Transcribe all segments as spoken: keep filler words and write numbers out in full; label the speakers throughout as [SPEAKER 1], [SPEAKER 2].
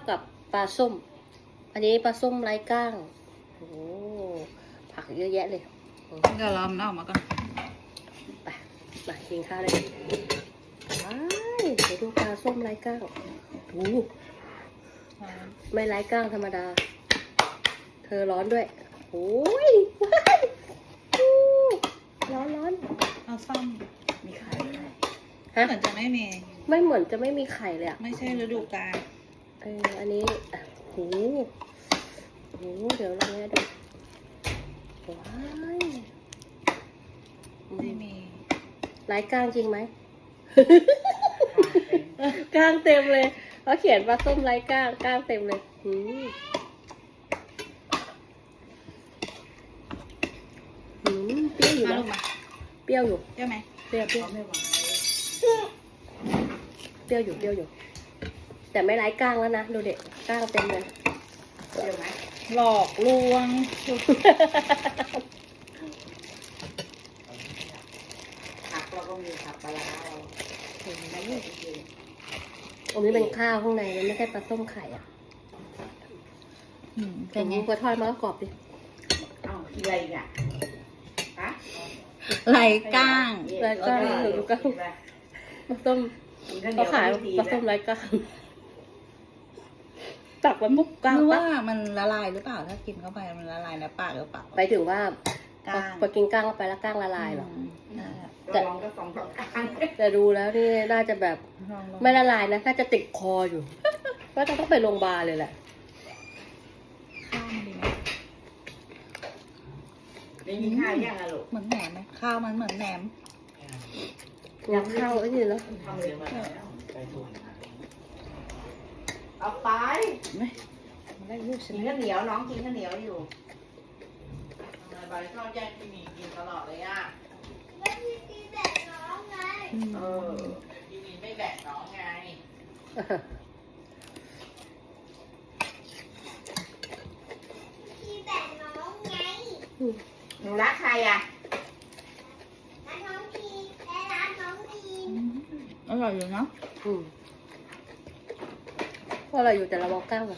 [SPEAKER 1] กับปลาส้มอันนี้ปลาส้มไร้ก้างโอ้ผักเยอะแยะเลย
[SPEAKER 2] เดี๋ยวเราเอามาก่อน
[SPEAKER 1] ไปไปกินข้าวเลยว้ายเดี๋ยวดูปลาส้มไร้ก้างโอ้ไม่ไร้ก้างธรรมดาเธอร้อนด้วยโอ้ยว้ายร้อนร้อน
[SPEAKER 2] เอาซ่อม
[SPEAKER 3] มีไข่ไหม
[SPEAKER 2] ฮะเหมือนจะไม่มี
[SPEAKER 1] ไม่เหมือนจะไม่มีไข่เลยอ่ะ
[SPEAKER 2] ไม่ใช่ฤดูกาล
[SPEAKER 1] เอออันนี้โอ้โหเดี๋ยวเราเนี่ยดูว้าย
[SPEAKER 2] ไม่มี
[SPEAKER 1] ไร้ก้างจริงไหมก้างเต็มเลยเขาเขียนว่าส้มไร้ก้างก้างเต็มเลยหืมหืมเปรี้ยวอยู่นะเปรี้ยวอยู่
[SPEAKER 2] เปรี้ยวไหม
[SPEAKER 1] เปรี้ยวเปรี้ยว
[SPEAKER 3] ไม่หวาน
[SPEAKER 1] เปรี้ยวอยู่เปรี้ยวอยู่แต่ไม่ไร้ก้างแล้วนะดูเด็กก้างเต็มเลย
[SPEAKER 3] เปรี้ยวไหม
[SPEAKER 2] หลอกลวง
[SPEAKER 3] ผักเราก็มีผักปลาร้าเราไม่ได้กิน
[SPEAKER 1] อันนี้เป็นข้าวข้างในมันไม่ใช่ปลาส้มไข่อ่ะแต่นี้พอทอดมาก็กรอบดิ
[SPEAKER 3] เอ้าอะไรเนี่ยฮะ
[SPEAKER 2] ไหลก้าง
[SPEAKER 1] ไร้ก้างหรือก้างปลาส้มเขาขายปลาส้มไร้ก้างตักมันมุกก้าง
[SPEAKER 2] ว่ามันละลายหรือเปล่าถ้ากินเข้าไปมันละลายในปากหรือเปล่า
[SPEAKER 1] ไปถึงว่า
[SPEAKER 2] ก้าง
[SPEAKER 1] พอกินก้างเข้าไปแล้วก้างละลายหรอ
[SPEAKER 3] แต่ลองก็สองสองก้าง
[SPEAKER 1] แต่ดูแล้วนี่น่าจะแบบไม่ละลายนะน่าจะติดคออยู่ก็จะต้องไปโรงพยาบาลเลยแหละ
[SPEAKER 2] ข้าวดีไหม
[SPEAKER 3] ไม่มีข้าวย่างอะลูก
[SPEAKER 2] เหมือนแหนมไหมข้าวมันเหมือนแหนม
[SPEAKER 1] อยากข้าวไอ้นี่แล้ว
[SPEAKER 3] เอาไป
[SPEAKER 1] ไม่ได้ลูกฉั
[SPEAKER 3] กิ
[SPEAKER 1] น
[SPEAKER 3] นข้าวเหนียวน้องกินข้าวเหนียวอยู่ทำไมใบชอบแย่งพี่มีกินตลอดเลยอ่ะ
[SPEAKER 4] แล้วพี่มีแบ่งน้องไง
[SPEAKER 3] เออพี่มีไม่แบ่งน้องไง
[SPEAKER 4] พี่แบ่งน้องไง
[SPEAKER 3] หนูรักใครอ่ะ
[SPEAKER 4] ร้านน้องพีและร้านน้องพี
[SPEAKER 2] อร่อยอยู่เนาะ
[SPEAKER 1] อืมว่าอะไรอยู่แต่เราบอกก้างอ่ะ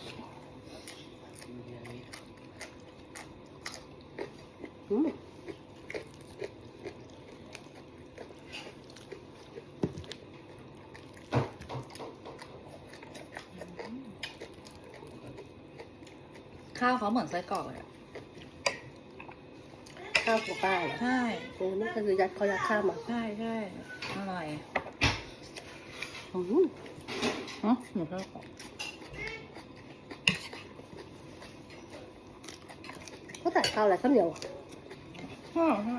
[SPEAKER 1] อืม
[SPEAKER 2] ข้าวเขาเหมือนไส้กรอกเลย
[SPEAKER 1] ข้าวของป้าเหรอ
[SPEAKER 2] ใช่
[SPEAKER 1] โอ้นี่คือยัดเขายัดข้าวมา
[SPEAKER 2] ใช่ใช่อร่อย
[SPEAKER 1] อืม
[SPEAKER 2] ฮะเหมือนไส้กรอก
[SPEAKER 1] เขาใส่ข้าวอะไรข้าวเหนียว
[SPEAKER 2] ใช่ใช่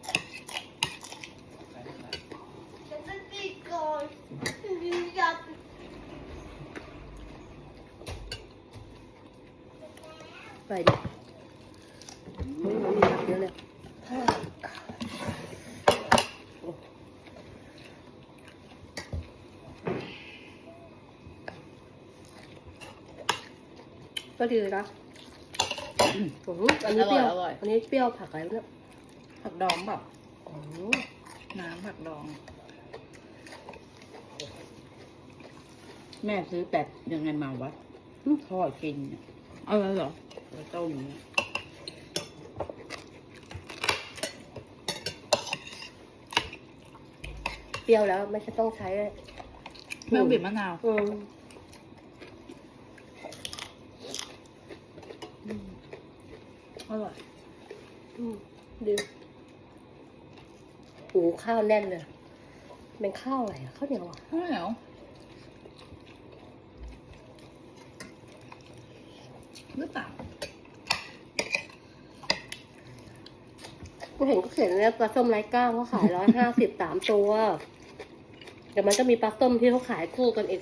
[SPEAKER 4] จะไปกินก่อนพี่อยาก
[SPEAKER 1] ไปดิมันมีผักเยอะเลยก็ดีนะอันนี้เปรี้ยวอันนี้เปรี้ยวผักอะไรเนี่ย
[SPEAKER 2] ผักดองแบบ
[SPEAKER 1] โอ้
[SPEAKER 2] น้ำผักดอง
[SPEAKER 3] แม่ซื้อแต่ยังไงมาวะทอดกินเนี่ย
[SPEAKER 2] เอาเลยเหรอ
[SPEAKER 3] ต้ม
[SPEAKER 1] เปรี้ยวแล้วไม่ใช่ต้องใช้
[SPEAKER 2] ไม่ต้องบีบมะนาว
[SPEAKER 1] อืม
[SPEAKER 2] อร่อย
[SPEAKER 1] อืมดีโอ้ข้าวแน่นเลยเป็นข้าวอะไรอะข้าวเหนียวอ่ะ
[SPEAKER 2] ข้าวเหนียวหรือเปล่า
[SPEAKER 1] กูเห็นก็เขียนเนี่ยปลาส้มไร้ก้างเขาขายร้อยห้าสิบสามตัวแต่มันก็มีปลาส้มที่เขาขายคู่กันอีก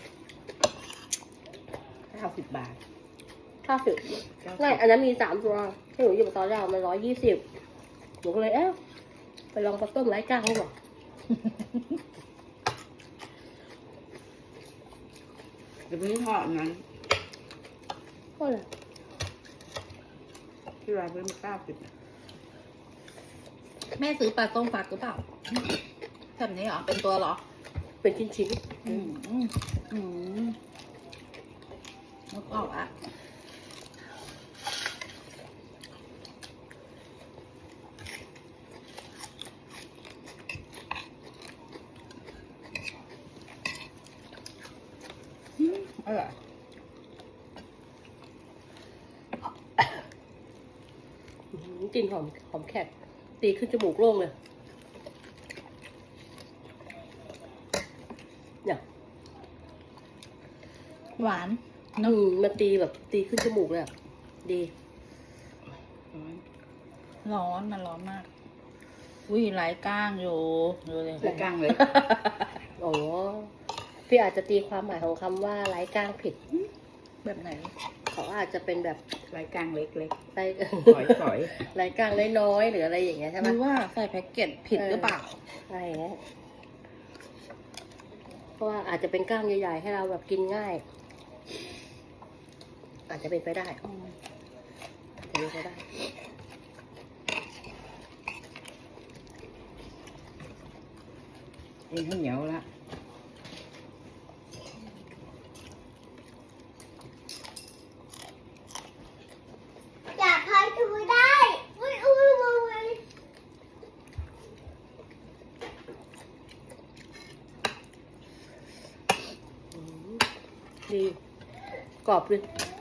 [SPEAKER 3] เก้าสิบบาท
[SPEAKER 1] ห้าสิบไม่อันนั้นมีสามตัวที่หนูหยิบตอนแรกมันร้อยยี่สิบหนูก็เลยเอ๊ะไปลองปลาส้มไร้ก้างเขาบอก
[SPEAKER 3] เดี๋ยวพี่ทอดนั้น
[SPEAKER 1] ก็เลย
[SPEAKER 3] ที่ร้านเพิ่มเก้าสิบ
[SPEAKER 2] แม่ซื้อปลาต้มฟักหรือเปล่าแบบนี้เหรอเป็นตัวเหรอ
[SPEAKER 1] เป็นชิ้นๆ
[SPEAKER 2] อืมอืมนึกออกอ่ะอืมอร่อย
[SPEAKER 1] อื้อหือกลิ่นหอมหอมแขกตีขึ้นจมูกโล่งเลยเนี่ย
[SPEAKER 2] หวาน
[SPEAKER 1] อืมมันตีแบบตีขึ้นจมูกเลยอะดี
[SPEAKER 2] ร้อนมันร้อนมาก อุ้ยไหลก้างอยู่ดูเลย
[SPEAKER 3] ใส่กลางเลย
[SPEAKER 1] โอ้พี่อาจจะตีความหมายของคำว่าไร้ก้างผิด
[SPEAKER 2] แบบไหน
[SPEAKER 1] เขาอาจจะเป็นแบบ
[SPEAKER 3] รายกลางเล็ก
[SPEAKER 1] ไร้
[SPEAKER 3] ๆฝอยฝอย
[SPEAKER 1] ไร้ก้างน้อยๆหรืออะไรอย่างเงี้ยใช่
[SPEAKER 2] ห
[SPEAKER 1] ไหม
[SPEAKER 2] รือว่าใส่แพ็กเกจผิดหรือเปล่า
[SPEAKER 1] อะไรอย่างเงี้ยเพราะว่าอาจจะเป็นก้างใหญ่ๆให้เราแบบกินง่าย อาจจะเป็นไปได้อาจจะเป็นไปได้
[SPEAKER 3] เองข้าวเหนียวละ
[SPEAKER 4] อยากพายตัวได้อุ้ยอุ้ยอุ้ย
[SPEAKER 1] อืมดีกรอบเลย
[SPEAKER 4] อ